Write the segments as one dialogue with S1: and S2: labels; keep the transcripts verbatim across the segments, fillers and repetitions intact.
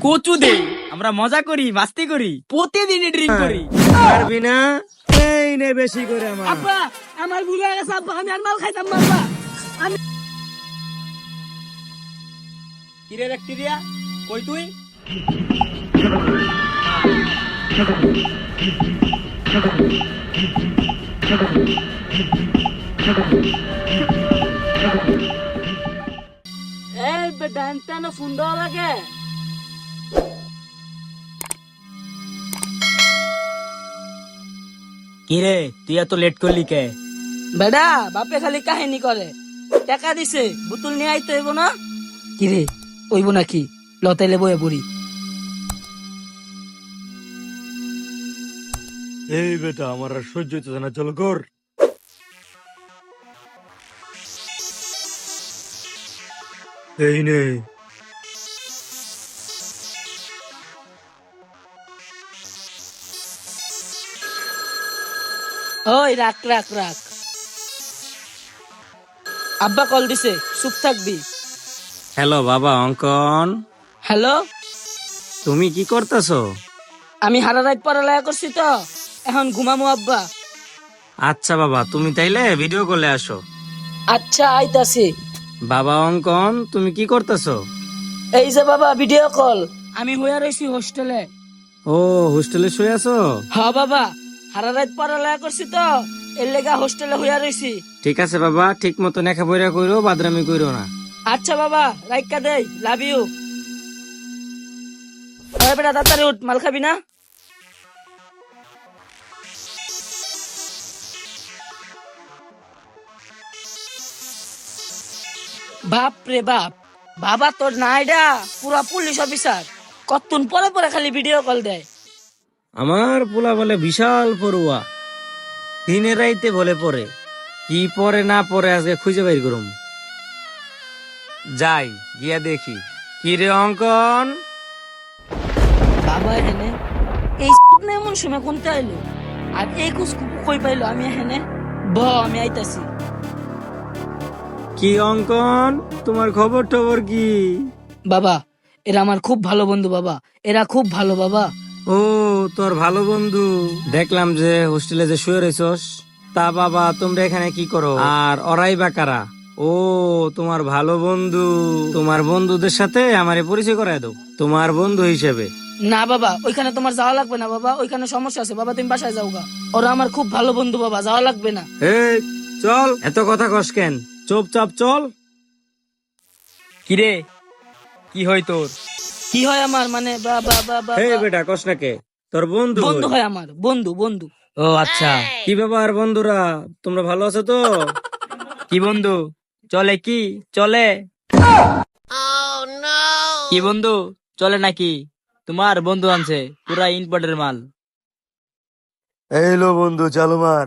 S1: কচু দে, আমরা মজা করি, মাস্তি করি, প্রতিদিনই ড্রিঙ্ক করি।
S2: পারবি না? এই নে বেশি করে আমার।
S1: আব্বা আমার ভুল হয়ে গেছে আব্বা, আমি আর মাল খাইতাম না আব্বা। আমি কিরে ব্যাকটেরিয়া, কই তুই? এই বেটা না ফোন দেওয়া লাগে। কিরে তুই এত লেট করলি কে?
S3: বেডা বাপে খালি কাহিনী করে, টাকা দিছে বোতল নিয়ে আইতে হইব না। কিরে ওইব নাকি? লতাইলে বয়ে বুড়ি।
S2: এই বেটা আমার আর সহ্য হইতেছে না, চলো কর। এই নে।
S3: ওই রাখ রাখ রাখ। আব্বা কল দিছে, চুপ থাকবি।
S2: হ্যালো বাবা অঙ্কন,
S3: হ্যালো,
S2: তুমি কি করতেছো?
S3: আমি হারা রাত পড়ালেখা করছি তো, এখন ঘুমামু আব্বা।
S2: আচ্ছা বাবা, তুমি তাইলে ভিডিও কলে আসো।
S3: আচ্ছা আইতাছি।
S2: বাবা অঙ্কন, তুমি কি করতেছো?
S3: এই যে বাবা ভিডিও কল। আমি হইয়া রইছি হোস্টেলে।
S2: ও হোস্টেলে শুয়ে আছো?
S3: হ্যাঁ বাবা, হারা রাত পড়ালেখা করছি তো, এর লেগা হোস্টেলে হইয়া রইছি।
S2: ঠিক আছে বাবা, ঠিক মতো নেখা বইরা কইরো, বাদরামি কইরো না।
S3: আচ্ছা বাবা, রাইকা দেই, লাভ ইউ। ওই বেটা তাড়াতাড়ি উঠ, মাল খাবি না? বাপ রে বাপ, বাবা তোর নাইডা পুরা পুলিশ অফিসার, কতক্ষণ পরে পরে খালি ভিডিও কল দেয়।
S2: আমার পোলা বলে বিশাল পড়ুয়া, দিনে রাইতে বলে পড়ে, কি পরে না পরে আজকে খুঁজে বাইর করুম। যাই গিয়া দেখি। কি রে অঙ্কন?
S3: বাবা এখানে এই না এমন সময় কোনটা আইলো, আর এই কুস কই পাইলো? আমি এখানে ব আমি আইতাছি।
S2: কি অঙ্কন, তোমার খবর টবর কি?
S3: বাবা এরা আমার খুব ভালো বন্ধু বাবা, এরা খুব ভালো বাবা।
S2: ও তোর ভালো বন্ধু, দেখলাম যে হোস্টেলে যে শুয়ে রয়েছস। তা বাবা তোমরা এখানে কি করো, আর ওরাই বা কারা? ও তোমার ভালো বন্ধু, তোমার বন্ধুদের সাথে আমারে পরিচয় করায় দাও তোমার বন্ধু হিসেবে।
S3: না বাবা, ওইখানে তোমার যাওয়া লাগবে না বাবা, ওইখানে সমস্যা আছে বাবা, তুমি বাসায় যাও গা। ওরা আমার খুব ভালো বন্ধু বাবা, যাওয়া লাগবে না।
S2: এই চল, এত কথা কস কেন, চুপচাপ চল।
S1: কিরে কি হয় তোর?
S3: কি হয় আমার মানে বাবা বাবা
S2: এই বেটা কস না কে, তোর বন্ধু
S3: বন্ধু
S2: হই।
S3: হয় আমার, বন্ধু বন্ধু।
S1: ও আচ্ছা,
S2: কি ব্যাপার বন্ধুরা, তোমরা ভালো আছো তো?
S1: কি বন্ধু চলে? কি চলে? কি বন্ধু চলে নাকি? তোমার বন্ধু আনছে পুরা ইম্পোর্টের মাল।
S2: এই লো বন্ধু, চালু মার।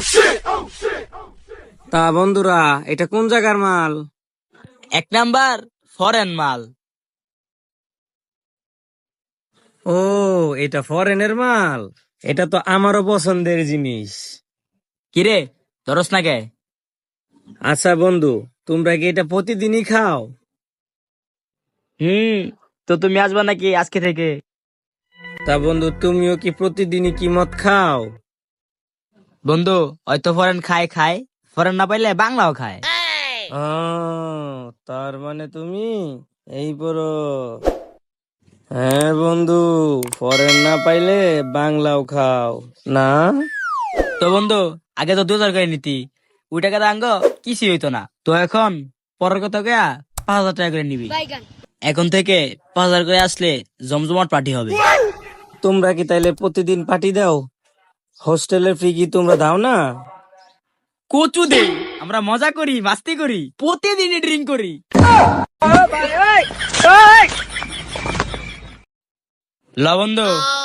S2: তা বন্ধুরা এটা কোন জায়গার মাল?
S1: এক নাম্বার ফরেন মাল।
S2: ও এটা ফরেনের মাল, এটা তো আমারও পছন্দের জিনিস।
S1: কিরে ধরস না কে?
S2: আচ্ছা বন্ধু, তোমরা কি এটা প্রতিদিনই খাও?
S1: হুম, তো তুমি আসবা নাকি আজকে থেকে?
S2: তা বন্ধু তুমিও কি প্রতিদিনই কি মদ খাও?
S1: বন্ধু হয়তো ফরেন খায় খায়, ফরেন না পাইলে বাংলাও খায়।
S2: আহ, তার মানে তুমি এই বড়। হ্যাঁ বন্ধু, ফরেন না পাইলে বাংলাও খাও না?
S1: তো বন্ধু আগে তো দু হাজার করে নিতি, ওই টাকা আঙ্গ কিছুই হইতো না। তো এখন পরের কথা গয়া পাঁচ হাজার টাকা করে নিবি। এখন থেকে পাঁচ হাজার করে আসলে জমজমাট পার্টি হবে।
S2: তোমরা কি তাইলে প্রতিদিন পার্টি দাও? হোস্টেলের ফ্রি কি তোমরা দাও না?
S1: কচু দে, আমরা মজা করি, মাস্তি করি, প্রতিদিনই ড্রিঙ্ক করি। ল বন্ধু।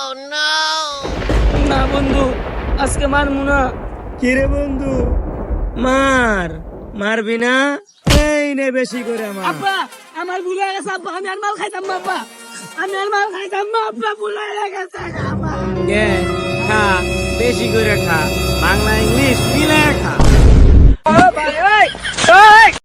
S3: না বন্ধু, আজকে মারমু না।
S2: কিরে বন্ধু, মার মারবি না? এই নে বেশি করে আমার।
S3: আব্বা আমার ভুল হয়ে গেছে আব্বা, আমি আর মাল খাইতাম না আব্বা, আমি আর মাল খাইতাম না আব্বা, ভুল হয়ে গেছে আব্বা।
S2: গে, খা বেশি করে খা, বাংলা ইংলিশ মিলে খা।